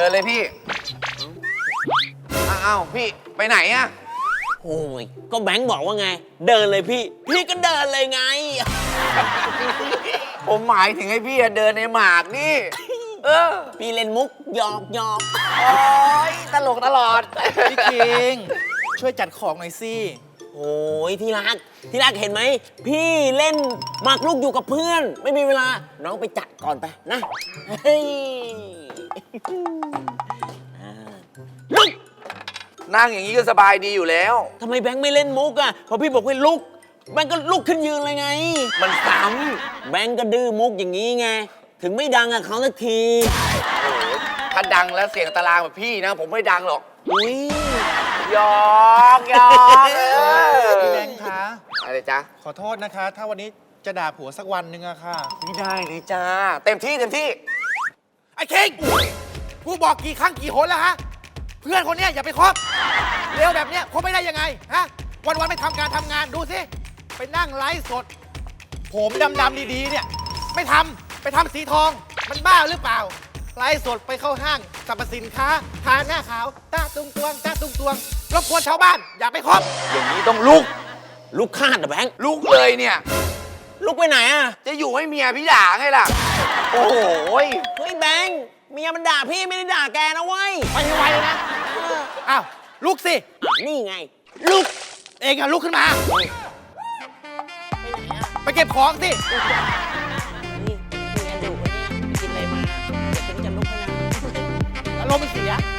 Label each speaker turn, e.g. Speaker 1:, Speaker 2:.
Speaker 1: ดินเลยพี่อ้าวพี่ไปไหนอะ
Speaker 2: โอ้ยก็แบงค์บอกว่าไง เดินเลยพี่ พี่ก็เดินเลยไง
Speaker 1: ผมหมายถึงให้พี่เดินในหมากนี่
Speaker 2: พี่เล่นมุกหยอก
Speaker 1: โอ้ยตลกตลอด
Speaker 3: พี่คิงช่วยจัดของหน่อยสิ
Speaker 2: โอ้ยที่รักเห็นไหม พี่เล่นหมากรุกอยู่กับเพื่อน ไม่มีเวลา น้องไปจัดก่อนไปนะเฮ้ยลุก
Speaker 1: นั่งอย่างนี้ก็สบายดีอยู่แล้ว
Speaker 2: ทำไมแบงค์ไม่เล่นมุกอ่ะพอพี่บอกให้ลุกแบงค์ก็ลุกขึ้นยืนเลยไง
Speaker 1: มันซ้
Speaker 2: แบงค์ก็ดื้อมุกอย่างนี้ไง ถึงไม่ดังอะเขาสักที
Speaker 1: ำถ้าดังแล้วเสียงตารางแบบพี่นะ ผมไม่ดังหรอก
Speaker 2: อุ้ย
Speaker 1: หยอก
Speaker 3: พี่แบงค์คะ
Speaker 1: อะไรจ๊ะ
Speaker 3: ขอโทษนะคะ ถ้าวันนี้จะด่าผัวสักวันหนึ่งอะค่ะ
Speaker 1: ไม่ได้เลยจ้าเต็มที่
Speaker 4: ไอ้คิงกูบอกกี่ครั้งกี่หนแล้วฮะ เพื่อนคนเนี้ยอย่าไปคบเร็วแบบเนี้ยคบไม่ได้ยังไงฮะ วันๆไม่ทำการทำงานดูสิ ไปนั่งไลฟ์สด ผมดำๆดีๆเนี่ย ไม่ทำไปทำสีทอง มันบ้าหรือเปล่า ไลฟ์สดไปเข้าห้างสรรพสินค้าทาหน้าขาวตาตุงตวงตาตุงตวงรบกวนชาวบ้าน อย่าไปคบ
Speaker 1: อย่างนี้ต้องลุก
Speaker 2: ลุกคาดเหรอแบงค์
Speaker 1: ลุกเลยเนี่ย
Speaker 2: ลุกไปไหนอะ
Speaker 1: จะอยู่ให้เมียพี่ด่าไงล่ะ โอ้โหย
Speaker 2: เฮ้ยแบงค์เมียมันด่าพี่ไม่ได้ด่าแกนะเว้ย
Speaker 4: ไปให้ไวเลยนะ อ้าว ลุกสิ
Speaker 2: นี่ไง
Speaker 4: ลุก เองอะลุกขึ้นมา ไปเก็บของสิ
Speaker 2: นี่เมียดุเนี่ยกินอะไรมาเดี๋ยวฉันจะลุกให้นะ
Speaker 4: อารมณ์มันเสีย